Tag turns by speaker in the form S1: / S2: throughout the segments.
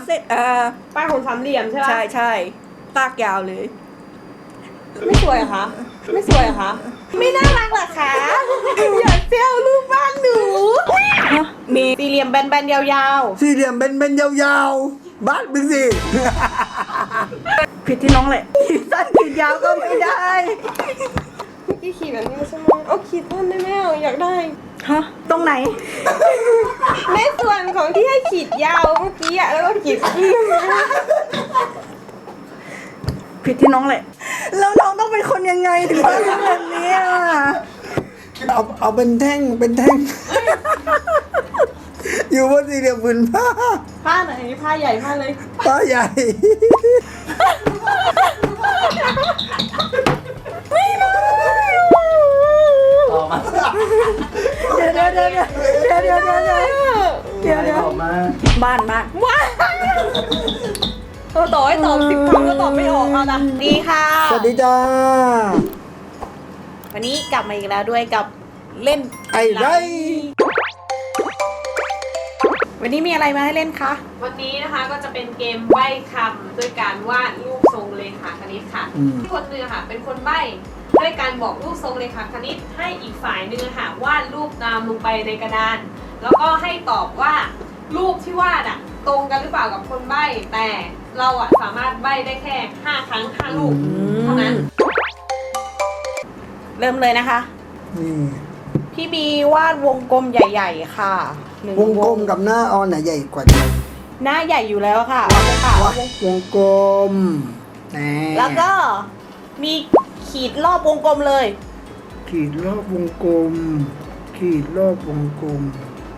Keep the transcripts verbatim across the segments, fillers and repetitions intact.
S1: เส้นเอ่อ
S2: ป้ายของสามเหลี่ยมใช่ไหม
S1: ใช่ใช่ลากยาวเลย
S2: ไม่สวยเหรอคะไม่สวยเหรอคะไม่น่ารักเหรอคะอยากเที่ยวรูปบ้านหนู
S1: มี
S2: สี่เหลี่ยมแบนๆยาว
S3: สี่เหลี่ยมเป็นเป็นยาวๆบ้านมึงสิ
S1: ผิดที่น้องแหละขีดสั้นขีดยาวก็ไม่ได้
S2: ๆเมื่อกี้ขีดแบบนี้ใช่ไหมเอาขีดต้นได้ไหมเอาอยากได้
S1: ฮะตรงไหน
S2: ในส่วนของที่ให้ขีดยาวเมื่อกี้อะแล้วก็ขีดขึ้น
S1: ผิดที่น้องแหละแล้วน้องต้องเป็นคนยังไงถึงต้องทำแบบนี้อ่ะ
S3: เอาเอาเป็นแท่งเป็นแท่ง อยู่บนสี่เหลี่ยมผืนผ้า
S2: ผ้าไหนผ้าใหญ่ผ้าเลย
S3: ผ้าใหญ่
S1: เดี๋ยวเดี๋ยวเดี๋ยวเดี๋ยวเดี๋ยวเดี๋ยวเดี๋ยวเดี๋ยวเดี๋ยว
S3: ออกมา
S1: บ้านบ้าน
S2: ว้าเออต่อให้ตอบสิบคำก็ตอบไม่ออกเอานะดีค่ะ
S3: สวัสดีจ้า
S2: วันนี้กลับมาอีกแล้วด้วยกับเล่น
S3: ไอ้ไร
S2: วันนี้มีอะไรมาให้เล่นคะวันนี้นะคะก็จะเป็นเกมใบ้คำด้วยการวาดรูปทรงเลขาคณิตค่ะคนหนึ่งค่ะเป็นคนใบ้ด้วยการบอกรูปทรงเลขาคณิตให้อีกฝ่ายหนึ่งค่ะวาดรูปตามลงไปในกระดาน แล้วก็ให้ตอบว่ารูปที่วาดอะตรงกันหรือเปล่ากับคนใบ้แต่เราอะสามารถใบ้ได้แค่ห้าครั้งห้ารูปเท่านั้น เริ่มเลยนะคะ
S3: นี่
S2: พี่บีวาดวงกลมใหญ่ๆค่ะหนึ่
S3: วงกลมกับหน้าออนไหนใหญ่กว่ากัน
S2: หน้าใหญ่อยู่แล้วค่ะเอาเลยค่ะ
S3: วะวงกลมแหม
S2: แล้วก็มีขีดรอบวงกลมเลย
S3: ขีดรอบวงกลม ขีดรอบวงกลม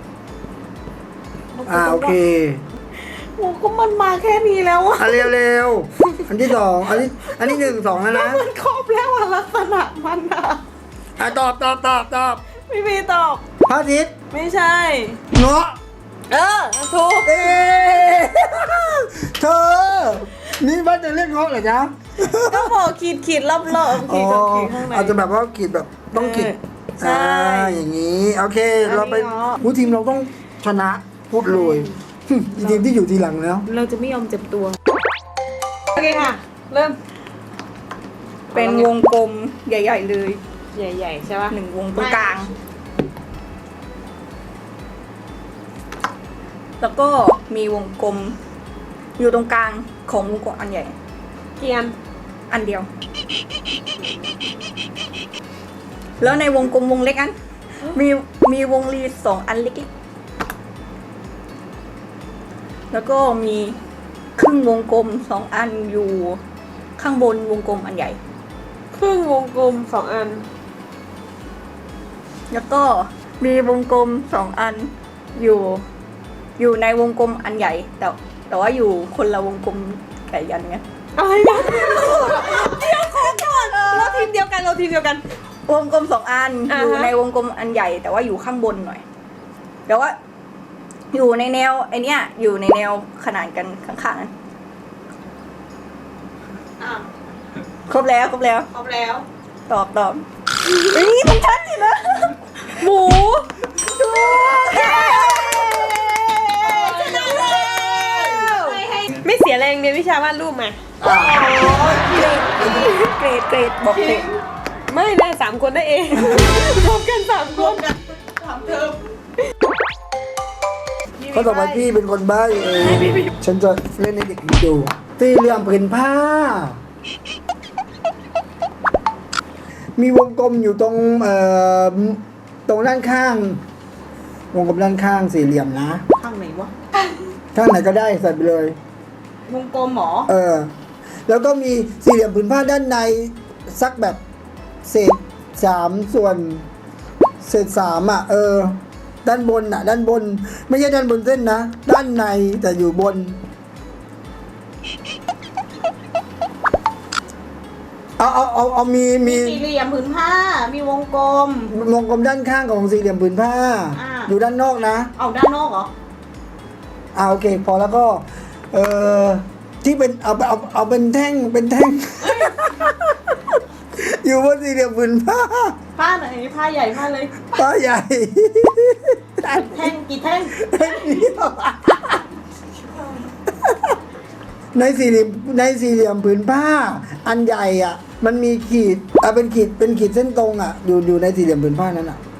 S3: อ่าโอเคว
S2: งกลมมันมาแค่นี้แล้วอะ
S3: อ่ะเร็วเร็วอันที่สองอันนี้อันนี้หนึ่งสองแล้วนะ
S2: มันครบแล้วอะลักษณะมันอะ
S3: อ่ะตอบตอบตอบตอบ
S2: พี่บีตอบ
S3: พระอาทิตย์
S2: ไม่ใช่
S3: เงาะ
S2: เออถูก
S3: เอ๊ะเธอ นี่บ้านจะเรียกเงาะเหรอจ๊ะ
S2: ก็บอกขีดขีดรอบๆขีดกับขีดข้างใน
S3: อาจจะแบบว่าขีดแบบต้องขีด
S2: เออใช่
S3: อ่าอย่างนี้ โอเค
S2: อันนี้
S3: เราไป
S2: เงาะ
S3: ผู้ทีมเราต้องชนะพูดเลยหึอีทีมที่อยู่ทีหลังแล้ว
S2: เราจะไม่ยอมเจ็บตัวโอเคค่ะ เริ่ม
S1: เป็นวงกลมใหญ่ ๆ เลย
S2: ใหญ่ๆใช่ปะ
S1: หนึ่งวงตรงกลาง แล้วก็มีวงกลม อยู่ตรงกลางของวงกลมอันใหญ่
S2: เกียน
S1: อันเดียว แล้วในวงกลมวงเล็กอัน มีมีวงรีสองอันเล็กๆแล้วก็มีครึ่งวงกลมสองอันอยู่ข้างบนวงกลมอันใหญ่
S2: ครึ่งวงกลมสองอัน
S1: แล้วก็มีวงกลมสองอันอยู่ อยู่ในวงกลมอันใหญ่ แต่แต่ว่าอยู่คนละวงกลมไก่ยันไง
S2: อะไรนะเดี๋ยวขอก่อนเราทีมเดียวกันเราทีมเดียวกัน
S1: วงกลมสองอัน
S2: อ่าฮะ
S1: อยู่ในวงกลมอันใหญ่ แต่ว่าอยู่ข้างบนหน่อยแต่ว่า อยู่ในแนวไอเนี้ยอยู่ในแนวขนานกันข้างๆนั้น
S2: อ่ะ
S1: ครบแล้วครบแล้ว
S2: ครบแล้ว
S1: ตอบตอบเอ้ยมันชัดสินะ
S2: หมู
S1: ถูก
S2: ชนะแล้วไม่เสียแรงเรียนวิชาวาดรูปมา
S1: เกรดเกรดบอกเกรด
S2: ไม่ได้สามคนได้เองรวมกันสามคนสามเทอม
S3: เขาต่อไปพี่เป็นคนใบ้เองฉันจะเล่นในเด็กดูสี่เหลี่ยมผืนผ้า มีวงกลมอยู่ตรงเอ่อตรงด้านข้าง วงกลมด้านข้างสี่เหลี่ยมนะ
S2: ข้างไหนวะ
S3: ข้างไหนก็ได้ใส่ไปเลย
S2: วงกลมหมอ
S3: เออ แล้วก็มีสี่เหลี่ยมผืนผ้าด้านในสักแบบเศษสามส่วน เศษสามอ่ะ เออ ด้านบนอ่ะ ด้านบน ไม่ใช่ด้านบนเส้นนะ ด้านในแต่อยู่บน เอาเอาเอาเอามีมี
S2: มีสี่เหลี่ยมผืนผ้า มีวงกลม
S3: วงกลมด้านข้างของสี่เหลี่ยมผืนผ้า
S2: อ่า
S3: อยู่ด้านนอกนะ
S2: เอาด้านนอกเหรอ
S3: อ่าโอเค พอแล้วก็ เออที่เป็นเอาเอาเอาเป็นแท่งเป็นแท่ง อยู่บนสี่เหลี่ยมผืนผ้า
S2: ผ้าไหนผ้าใหญ่ผ้าเลย
S3: ผ้าใหญ่
S2: แท่งกี่แท่ง
S3: แท่งเดียวในสี่เหลี่ยมในสี่เหลี่ยมผืนผ้า อันใหญ่อ่ะ มันมีขีดอ่ะเป็นขีดเป็นขีดเส้นตรงอ่ะ อยู่อยู่ในสี่เหลี่ยมผืนผ้านั้นอ่ะ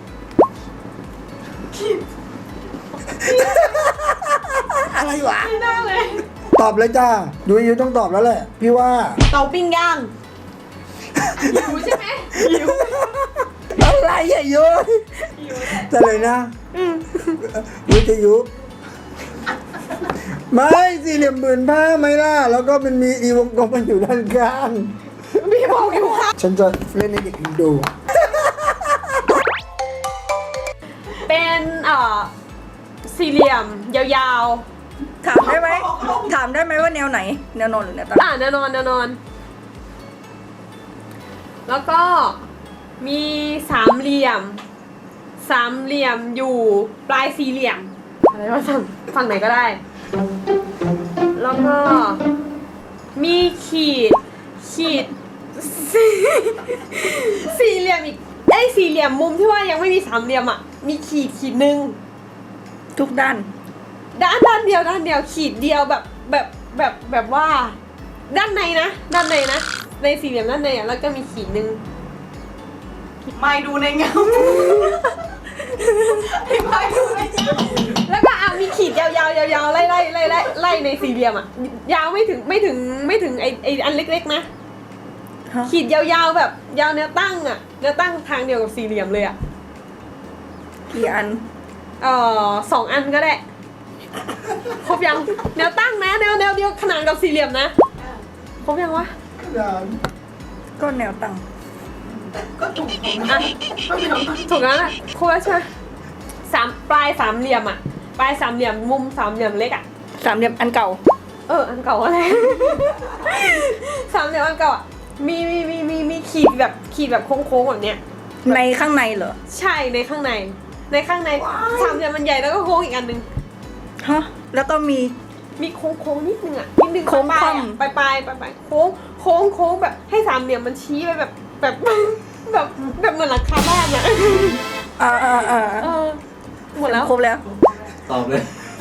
S3: อะไรวะ
S2: ไม่ได้เลย
S3: ตอบเลยจ้ายูยูต้องตอบแล้วแหละ พี่ว่า
S2: เตาปิ้งย่างหิวใช่ไหมหิว
S3: อะไรอ่ะยู
S2: หิวแหละ
S3: จะเลยนะยูจะยุไม่สี่เหลี่ยมผืนผ้าไหมล่ะ แล้วก็มันมีอีวงกลมมันอยู่ด้านข้าง
S2: พี่บอกอยู่ค่ะ
S3: ฉันจะเล่นให้เด็กดู
S2: เป็นเอ่อสี่เหลี่ยมยาว
S1: ถามได้ไหมถามได้ไหมว่าแนวไหน แนวนอนหรือแนวตั้ง
S2: ๆอ่าแน่นอนแน่นอน แล้วก็มีสามเหลี่ยม สามเหลี่ยมอยู่ปลายสี่เหลี่ยมอะไรวะฝั่งฝั่งไหนก็ได้ แล้วก็มีขีดขีด สี่สี่เหลี่ยมอีกไอ้ยสี่เหลี่ยมมุมที่ว่ายังไม่มีสามเหลี่ยมอ่ะมีขีดขีดหนึ่ง
S1: ทุกด้าน
S2: ด้านด้านเดียวด้านเดียวขีดเดียวแบบแบบแบบแบบว่า ด้านในนะด้านในนะในสี่เหลี่ยมด้านในอ่ะแล้วก็มีขีดหนึ่ง
S4: ไม่ดูในเงาไม่ดูในเงา
S2: แล้วก็เอามีขีดยาวๆยาวๆไล่ไล่ไล่ไล่ไล่ในสี่เหลี่ยมอ่ะยาวไม่ถึงไม่ถึงไม่ถึงไอไออันเล็กๆนะ
S1: ฮะ
S2: ขีดยาวๆแบบยาวแนวตั้งอ่ะแนวตั้งทางเดียวกับสี่เหลี่ยมเลยอ่ะ
S1: กี่อัน
S2: เอ่อสองอันก็ได้ครบยังแนวตั้งนะแนวแนวเดียวขนานกับสี่เหลี่ยมนะครบยังวะ
S1: ก็แนวตั้ง
S4: ก็ถูกของ
S2: อ่ะถูกแล้วแหละครบแล้วใช่ไหมสามปลายสามเหลี่ยมอ่ะปลายสามเหลี่ยมมุมสามเหลี่ยมเล็กอ่ะ
S1: สามเหลี่ยมอันเก่า
S2: เอออันเก่าอะไร สามเหลี่ยมอันเก่าอ่ะมีมีมีมีมีขีดแบบขีดแบบโค้งๆแบบเนี้ย
S1: ในข้างในเหรอ
S2: ใช่ในข้างใน ในข้างในสามเหลี่ยมมันใหญ่แล้วก็โค้งอีกอันหนึง
S1: ฮะ แล้วก็มี
S2: มีโค้งโค้งๆนิดนึงอ่ะนิดนึง
S1: โค้ง
S2: ปลาย
S1: คว่ำ
S2: ๆอะปลายปลายปลายปลายโค้งโค้งโค้งแบบให้สามเหลี่ยมมันชี้ไปแบบแบบแบบแบบเหมือนหลังคาบ้านอ่ะ
S1: อ่าอ่าอ่า
S2: เออหมดแล้ว
S1: ครบแล้ว
S5: ตอบเลย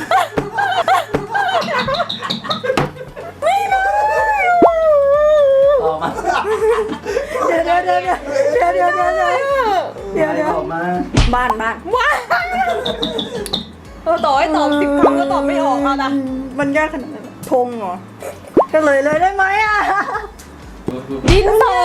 S5: ตอบมา
S1: เดี๋ยวเดี๋ยวเดี๋ยวเดี๋ยวเดี๋ยวเดี๋ยวเดี๋ยวเดี๋ยวเดี๋ยว
S5: ตอบมา
S1: บ้านบ้าน
S2: ว้าเออต่อให้ตอบสิบครั้งก็ตอบไม่ออกเอาละ
S1: มันยากขนาดนั้นธงเหรอเฉลยเลยได้ไหมอ่ะ
S2: ดินสอ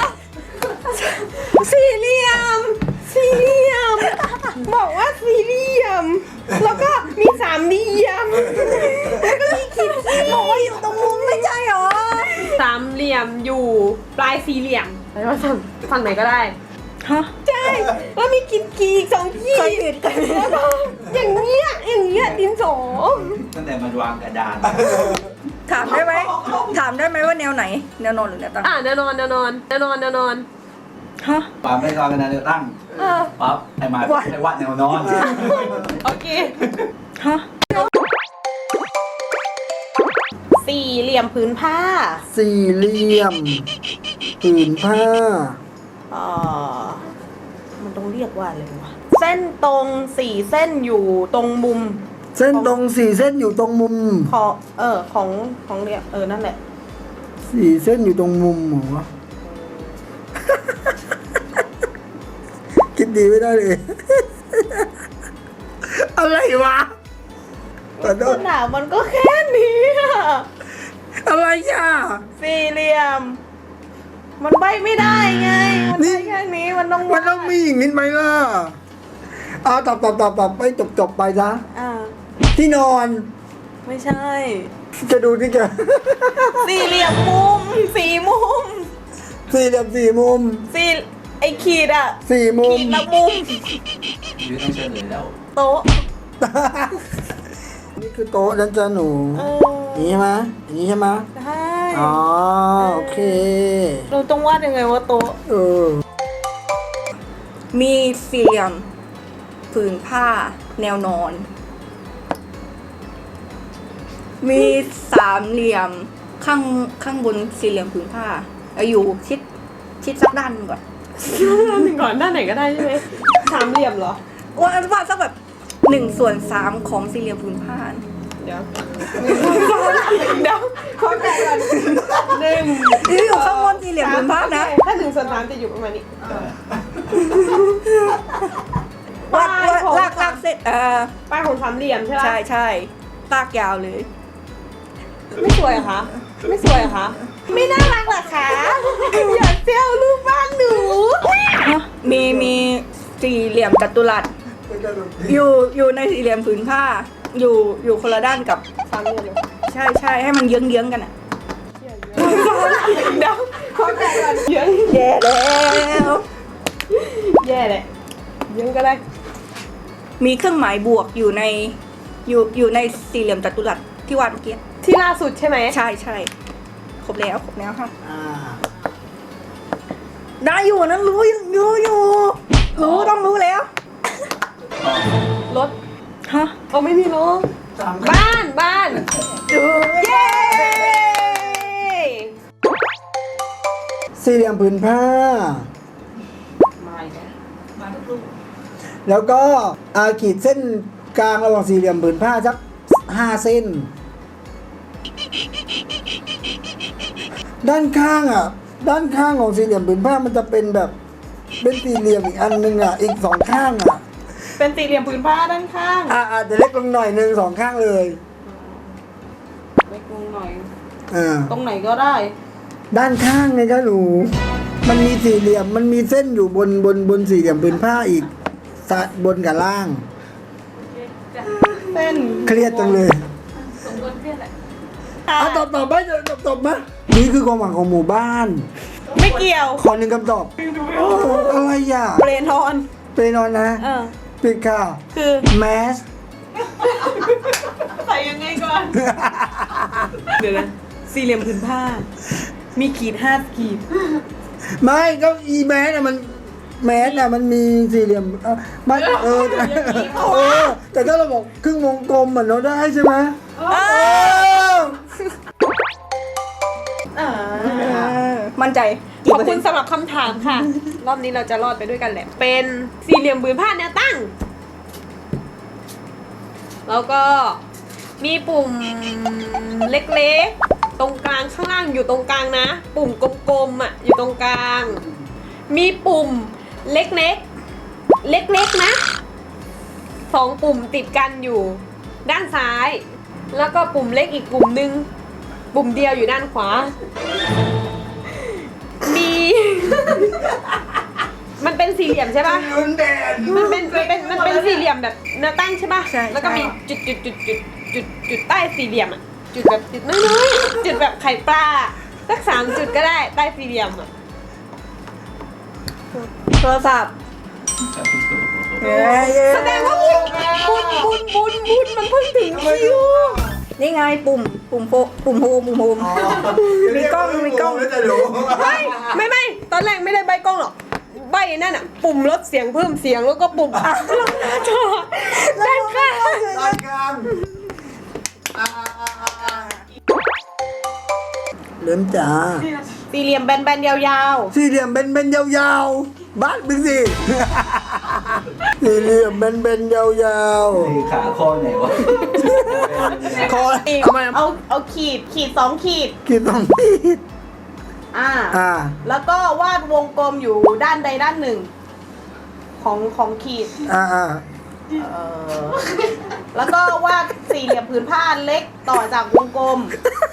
S2: สี่เหลี่ยม สี่เหลี่ยม บอกว่าสี่เหลี่ยม แล้วก็มีสามเหลี่ยม แล้วก็มีขีดขีด
S1: บอกว่าอยู่ตรงมุมไม่ใช่เหรอ
S2: สามเหลี่ยมอยู่ปลายสี่เหลี่ยมอะไรวะฝั่งฝั่งไหนก็ได้
S1: ฮะ
S2: ใช่แล้วมีขีดขีดอีกสองขี
S1: เคย
S2: ด
S1: ผิดเคยผิด
S2: แล้วก็อย่างเงี้ยอย่างเงี้ยดินสอ
S5: ตั้งแต่มันวางกระดาน
S1: ถามได้ไหมถามได้ไหมว่าแนวไหน แนวนอนหรือแนวตั้ง
S2: อ่ะแน่นอนแน่นอนแน่นอนแน่นอน
S1: ฮะ
S5: ปาไม่วางกระดานเดียวตั้ง
S2: เออ
S5: ปั๊บไอ้หมา
S1: ว่า
S5: ไอ้วัดแนวนอน
S2: โอเค
S1: ฮะ
S4: สี่เหลี่ยมผืนผ้า
S3: สี่เหลี่ยมผืนผ้า
S4: เอ่อมันต้องเรียกว่าอะไรวะ เส้นตรงสี่เส้นอยู่ตรงมุม
S3: เส้นตรงสี่เส้นอยู่ตรงมุม
S4: ของเออของของเรียกเออนั่นแหละ
S3: สี่เส้นอยู่ตรงมุมเหรอ คิดดีไม่ได้เลย อะไรวะขอโท
S4: ข
S3: ษ
S4: นาดมันก็แค่นี้อะ
S3: อะไรอ่ะ
S4: สี่เหลี่ยม มันใบไม่ได้ไง มัน
S3: นี่
S4: ได้แค่นี้มันต้อง
S3: มันต้องมีอย่างนี้ไหมล่ะเอาตอบตอบตอบตอบไปจบจบไปซะ
S4: อ่า
S3: ที่นอน
S4: ไม่ใช่
S3: จะดูที่แก
S4: สี่เหลี่ยมมุมสี่มุม
S3: สี่เหลี่ยมสี่มุม
S4: สี่ไอขีดอะ
S3: สี่มุม
S4: ขีดละมุม
S5: ยืนต้องเฉลยแล้ว
S4: โต๊ะ
S3: นี่คือโต๊ะนั่นจ้ะหนู
S4: เอ
S3: อย่างนี้ใช่ไหมอย่างนี้ใช่ไหม
S4: ใช่
S3: อ๋อโอเค
S4: เราต้องวาดยังไงว่าโต๊ะ
S3: เออ
S1: มีสี่เหลี่ยมผืนผ้า แนวนอน มีสามเหลี่ยมข้างข้างบนสี่เหลี่ยมผืนผ้าเอาอยู่ชิดชิดสักด้านหนึ่งก่อน
S2: ด้านหนึ่งก่อนด้านไหนก็ได้ใช่ไหมสามเหลี่ยมเหรอ
S1: ว่าว่าสักแบบหนึ่งส่วนสามของสี่เหลี่ยมผืนผ้า
S2: เดี๋ยวเดี๋ยวขอ
S1: ผืนผ้านะ
S2: ถ้าหนึ่งส่วนสามจะอยู่ประมาณนี้
S1: วาดวาดลากลากเส้นเออ
S2: ป้ายของสามเหลี่ยมใช่ไหม
S1: ใช่ใช่ลากยาวเลย
S2: ไม่สวยเหรอคะไม่สวยเหรอคะ
S4: ไม่น่ารักเหรอคะ อย่าเซลรูปบ้านหนู
S1: มีมีสี่เหลี่ยมจัตุรัสอยู่อยู่ในสี่เหลี่ยมผืนผ้า อยู่อยู่คนละด้านกับ
S2: สามเหลี่ยมเลย
S1: ใช่ใช่ให้มันเยื้องเยื้องๆกันอ่ะ
S2: เดี๋ยวเข้าใจก่อนเยอะ
S1: แย่แล้ว
S2: แย่เลยเยอะก็ได้
S1: มีเครื่องหมายบวกอยู่ในอยู่อยู่ในสี่เหลี่ยมจัตุรัสที่วาดเมื่อกี้
S2: ที่ล่าสุดใช่ไหม
S1: ใช่ใช่ครบแล้วครบแล้วค่ะ
S3: อ่า
S1: ได้อยู่นะรู้รู้อยู่รู้ต้องรู้แล้ว
S2: รถ
S1: ฮะ
S2: เอาไม่มีรถ
S3: สาม
S2: บ้านบ้าน
S1: ดู
S2: เย้
S3: สี่เหลี่ยมผืนผ้า
S2: มาอีกแล้ว
S3: แล้วก็อาขีดเส้นกลางระหว่างสี่เหลี่ยมผืนผ้าสักห้าเส้น ด้านข้างอ่ะ ด้านข้างของสี่เหลี่ยมผืนผ้ามันจะเป็นแบบ เป็นสี่เหลี่ยมอีกอันหนึ่งอ่ะ อีกสองข้างอ่ะ
S4: เป็นสี่เหลี่ยมผืนผ้าด้านข้าง
S3: อ่าอาจจะเล็กลงหน่อยหนึ่งสองข้างเลย
S4: เล็กลงหน่อย
S3: อ่า
S4: ตรงไหนก็ได้
S3: ด้านข้างไงคะหนู มันมีสี่เหลี่ยม มันมีเส้นอยู่บนบนบนสี่เหลี่ยมผืนผ้าอีกสะบนกับล่าง
S4: เส้น
S3: เครียดจังเลย
S2: สมควรเครียดแหละ
S3: อ่ะตอบตอบไปตอบตอบมานี่คือความหวังของหมู่บ้าน
S4: ไม่เกี่ยว
S3: ขอหนึ่งคำตอบโอ้อะไรอ่ะ
S4: เปรนอน
S3: ไปนอนนะ
S4: เออ
S3: ปิดค่ะ
S4: คือ
S3: แมส
S2: ใส่ยังไงก่อน
S4: เดี๋ยวนะสี่เหลี่ยมผืนผ้า มีขีดห้าขีด
S3: ไม่ก็อีแมสน่ะมันแมสน่ะมันมีสี่เหลี่ยมเออมันเออเออแต่ถ้าเราบอกครึ่งวงกลมเหมือนเราได้ใช่ไหมเออ
S4: อ่า
S1: มั่นใจ
S2: ขอบคุณสำหรับคำถามค่ะ รอบนี้เราจะรอดไปด้วยกันแหละ เป็นสี่เหลี่ยมผืนผ้าแนวตั้ง แล้วก็มีปุ่มเล็กๆ ตรงกลางข้างล่างอยู่ตรงกลางนะ ปุ่มกลมๆอ่ะอยู่ตรงกลาง มีปุ่มเล็กๆ เล็กๆนะสองปุ่มติดกันอยู่ด้านซ้าย แล้วก็ปุ่มเล็กอีกปุ่มหนึ่งปุ่มเดียวอยู่ด้านขวา มี มันเป็นสี่เหลี่ยมใช่ปะ
S3: ลุ้นแดน
S2: มันเป็นมันเป็นมันเป็นสี่เหลี่ยมแบบแนวตั้งใช่ปะ
S1: ใช่
S2: แล้วก็มีจุดจุดจุดจุดจุดจุดใต้สี่เหลี่ยมอ่ะ จุดแบบจุดน้อยๆจุดแบบไข่ปลาสักสามจุดก็ได้ใต้สี่เหลี่ยมอ่ะ
S1: โทรศัพท์เย้เย้
S2: แสดงว่าบุญบุญบุญบุญบุญมันเพิ่งถึงคิว
S1: นี่ไงปุ่มปุ่มโฟปุ่มโฮมปุ่มโฮม มีกล้องมีกล้อง
S3: แล้วจะรู้
S2: ไม่ไม่ไม่ตอนแรกไม่ได้ใบกล้องหรอกใบนั่นอ่ะ ปุ่มลดเสียงเพิ่มเสียงแล้วก็ปุ่มอ่ะลงหน้าจอด้านข้าง
S3: รายการเริ่มจ้า
S4: สี่เหลี่ยมแบนๆยาว
S3: สี่เหลี่ยมเบนเบนๆยาวๆบ้านมึงสิ สี่เหลี่ยมเบนเบนๆยาว
S5: นี่ขาคอไหนวะ
S3: ๆคอ
S4: ๆอีก
S3: เอามา
S4: เอาเอาขีดขีดสองขีด
S3: กินต้องมีด
S4: อ่า
S3: อ่า
S4: แล้วก็วาดวงกลมอยู่ด้านใดด้านหนึ่ง ของของขีด
S3: อ่าอ่า
S4: เออแล้วก็วาดสี่เหลี่ยมผืนผ้าเล็กต่อจากวงกลม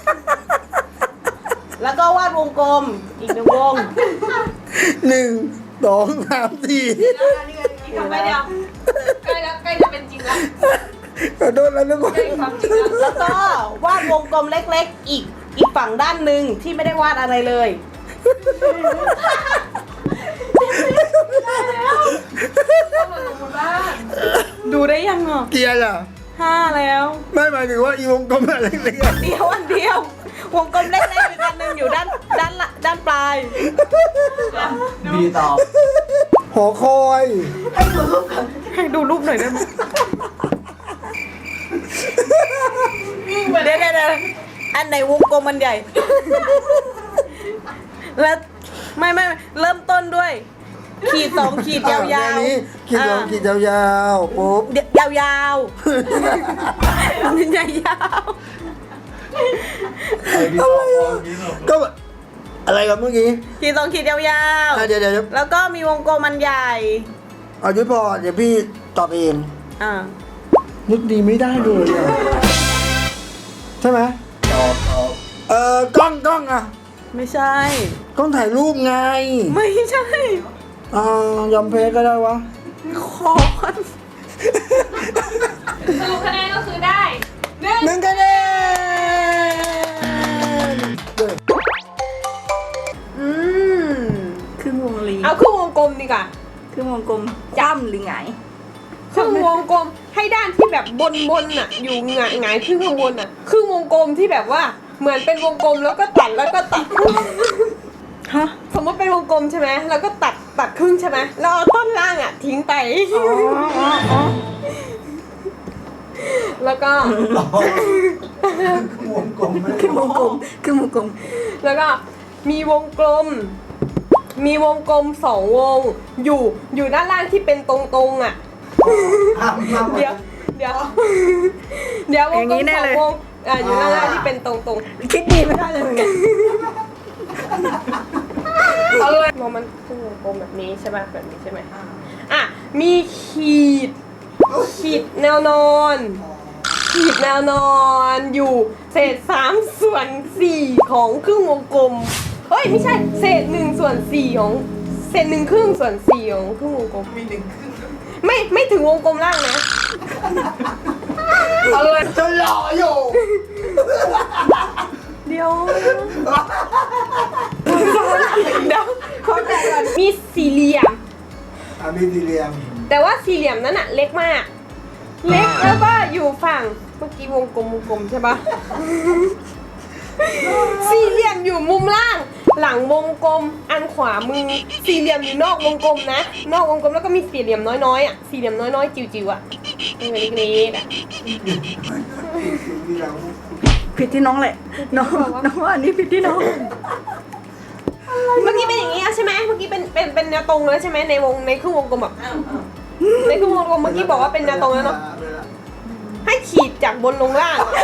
S4: แล้วก็วาดวงกลมอีกหนึ่งวง
S3: หนึ่งสองสามสี่
S2: ทำไมเดียวใกล้แล้วใกล้จะเป็นจริงแล้ว
S3: ขอโทษแล้วทุกคน
S2: ใกล้ความจริงแล้ว
S4: แล้วก็วาดวงกลมเล็กๆ อีกอีกฝั่งด้านหนึ่งที่ไม่ได้วาดอะไรเลย ดูได้ยังอ่ะ
S3: เกียร์ล่ะ
S4: ห้าแล้ว
S3: ไม่หมายถึงว่าอีวงกลมอะไรเล็ก
S4: เดียวอันเดียว วงกลมเล็กๆอีกอันหนึ่งอยู่ด้านด้านละด้านปลาย
S5: บีตอบ
S3: ๆหอคอย
S4: ให้ดูรูปหน่อยได้ไหมเดี๋ยวเดี๋ยวเดี๋ยวอันไหนวงกลมมันใหญ่ แล้วไม่ไม่ไม่เริ่มต้นด้วย ขีดสองขีดยาว
S3: อ่ะ
S4: ๆ
S3: แนนี้ขีดสองขีดยาวๆปุ๊บ
S4: เดี๋ยวยาวยาวๆใหญ่ยาว
S5: ไอ้บีตอบบีตอบ
S3: ก็แบบอะไรกับเมื่อกี้
S4: ขีดสองขีดยาว
S3: อ่ะเดี๋ยวเดี๋ยวเดี๋ยว
S4: ๆ แล้วก็มีวงกลมมันใหญ่
S3: เอายุทธพอเดี๋ยวพี่ตอบเอง
S4: อ่า
S3: นึกดีไม่ได้เลยอ่ะใช่ไหม
S5: ตอบตอบ
S3: เออกล้องกล้องอ่ะ
S4: ไม่ใช่
S3: กล้องถ่ายรูปไง
S4: ไม่ใช่
S3: อ่ายอมเพก็ได้วะ
S4: คอน
S2: สรุปคะแนนก็คือได้หนึ่ง
S3: หนึ่งคะแนนเด้อ
S4: อืม
S1: ครึ่งวงรี
S2: เอาครึ่งวงกลมดีกว่า
S1: ครึ่งวงกลมคว่ำหรือไงาย
S2: ครึ่งวงกลมให้ด้านที่แบบบนบนๆน่ะ อยู่หงายหงายขึ้นข้างบนน่ะครึ่งวงกลมที่แบบว่าเหมือนเป็นวงกลมแล้วก็ตัดแล้วก็ตัด
S1: ฮะ
S2: สมมติเป็นวงกลมใช่ไหมแล้วก็ตัดตัดครึ่งใช่ไหมแล้วเอาต้นล่างอ่ะทิ้งไป
S1: อ๋ออ๋ออ๋อ
S2: แล้วก็
S5: วงกลมไม่
S1: ครึ่งวงกลมครึ่งวงกลม
S2: แล้วก็มีวงกลม มีวงกลมสองวง อยู่อยู่ด้านล่างที่เป็นตรงๆอ่ะ
S5: ห้ามห้าม
S2: เดี๋ยวเดี๋ยวเดี๋ยววงกลมสองวงอ่ะอยู่ด้านล่างที่เป็นตรงๆ
S1: คิดดีไม่ได้เลยเหมือนกัน
S2: เอาเลยมองมันคือวงกลมแบบนี้ใช่ไหมแบบนี้ใช่ไหมอ่ะมีขีด ขีดแนวนอน ขีดแนวนอนอยู่เศษสามส่วนสี่ของครึ่งวงกลมเฮ้ยไม่ใช่เศษหนึ่งส่วนสี่ของเศษหนึ่งครึ่งส่วนสี่ของครึ่งวงกลมมีหนึ่งครึ่งไม่ไม่ถึงวงกลมล่างนะเอาเลย
S3: จะหล่ออยู่
S2: เดี๋ยวเดี๋ยวขอแต่ก่อนมีสี่เหลี่ยม
S3: อ่ะมีสี่เหลี่ยม
S2: แต่ว่าสี่เหลี่ยมนั้นอะเล็กมาก เล็กแล้วก็อยู่ฝั่งเมื่อกี้วงกลมวงกลมใช่ปะ สี่เหลี่ยมอยู่มุมล่าง หลังวงกลมอันขวามือสี่เหลี่ยมอยู่นอกวงกลมนะ นอกวงกลมแล้วก็มีสี่เหลี่ยมน้อยๆอ่ะสี่เหลี่ยมน้อยๆจิ๋วๆอ่ะเป็นเล็กๆอ่ะ
S1: ผิดที่น้องแหละน้องน้องว่าอันนี้ผิดที่น้อง
S2: เมื่อกี้เป็นอย่างนี้อะใช่ไหมเมื่อกี้เป็นเป็นเป็นแนวตรงแล้วใช่ไหมในวงในครึ่งวงกลมแบบในครึ่งวงกลมเมื่อกี้บอกว่าเป็นแนวตรงแล้วเนาะให้ขีดจากบนลงล่างอะ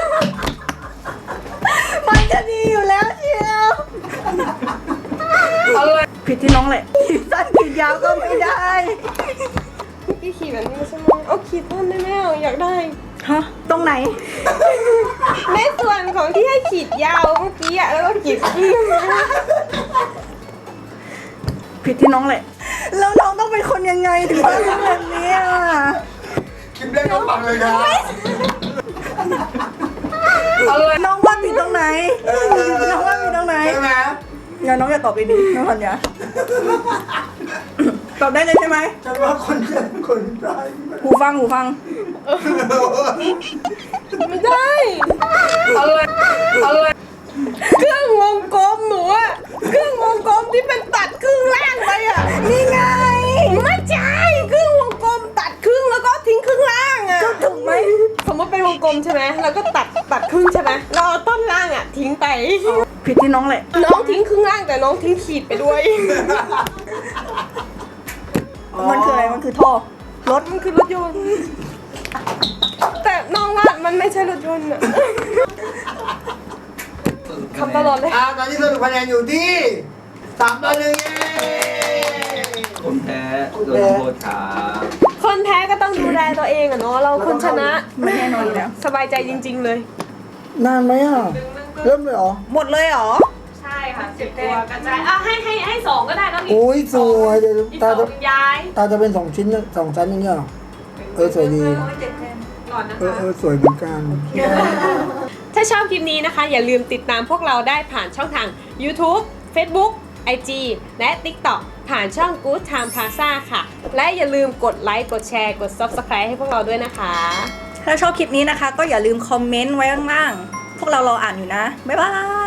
S1: มันจะดีอยู่แล้วเชียว
S2: เอาเลย
S1: ผิดที่น้องแหละขีดสั้นขีดยาวก็ไม่ได้
S2: เมื่อกี้ขีดแบบนี้ใช่ไหมเอาขีดต้นได้ไหมอ่ะอยากได้
S1: ฮะตรงไหน
S2: ในส่วนของที่ให้ขีดยาวเมื่อกี้อ่ะแล้วก็ขีดครึ่ง
S1: ผิดที่น้องแหละ แล้วน้องต้องเป็นคนยังไงถึงมาทำแบบนี้อ่ะ
S3: คลิปแรกก็ฟังเลยครับ
S2: เอาเลย
S1: น้องว่าผิดตรงไหน น้องว่าผิดตรงไหน
S3: ใช่ไหม
S1: งั้นน้องอย่าตอบดีๆน้องพันยาตอบได้เลยใช่ไหม
S3: ฉันว่าคนเจ็บคนตาย
S1: หูฟังหูฟัง
S2: ไม่ได้เอาเลยเอาเลยเครื่องวงกลมหนูอะเครื่องวงกลมที่เป็นตัดครึ่งล่างไปอะนี่ไงไม่ใช่เครื่องวงกลมตัดครึ่งแล้วก็ทิ้งครึ่งล่างอะ
S1: ก็ถูกไหม
S2: สมมติเป็นวงกลมใช่ไหมแล้วก็ตัดตัดครึ่งใช่ไหมแล้วเอาต้นล่างอะทิ้งไป
S1: ผิดที่น้องแหละ
S2: น้องทิ้งครึ่งล่างแต่น้องทิ้งขีดไปด้วย
S1: มันคืออะไร มันคือท่อ
S2: รถมันคือรถยนต์แต่น้องว่ามันไม่ใช่รถยนต์อะคำตลอดเลย
S3: อ่าตอนนี้สรุปคะแนนอยู่ที่สามต่อหนึ่งเย้
S5: คนแพ้โดนโทษครับ
S2: คนแพ้ก็ต้องดูแลตัวเองอะเนาะเราคนชนะ
S1: ไม่แน่นอนอยู่แล้ว
S2: สบายใจจริง ๆ เลย
S3: นานไหมอ่ะ เริ่มเลยเหรอ
S4: หมดเลยเหรอ
S2: ใช่ค่ะสิบตัวกระจายอ่ะให้ให้ให้สองก็ได้แล้วนี่
S3: โอ้ยสวยเดี๋ยว
S2: อีก
S3: ตา
S2: สอ
S3: จะ
S2: งย้าย
S3: ตาจะเป็นสองชิ้นนะสองชั้นอย่างเงี้ยเหรอ เออสวยดี
S2: ก่อนนะ
S3: เออ
S2: คะ
S3: เออสวยเหมือนกัน
S2: ถ้าชอบคลิปนี้นะคะ อย่าลืมติดตามพวกเราได้ผ่านช่องทาง YouTube Facebook ไอ จี และ TikTok ผ่านช่อง Good Time Plaza ค่ะ และอย่าลืมกดไลค์กดแชร์กด Subscribe ให้พวกเราด้วยนะคะ
S1: ถ้าชอบคลิปนี้นะคะ ก็อย่าลืมคอมเมนต์ไว้ข้างล่าง พวกเรารออ่านอยู่นะ บ๊ายบาย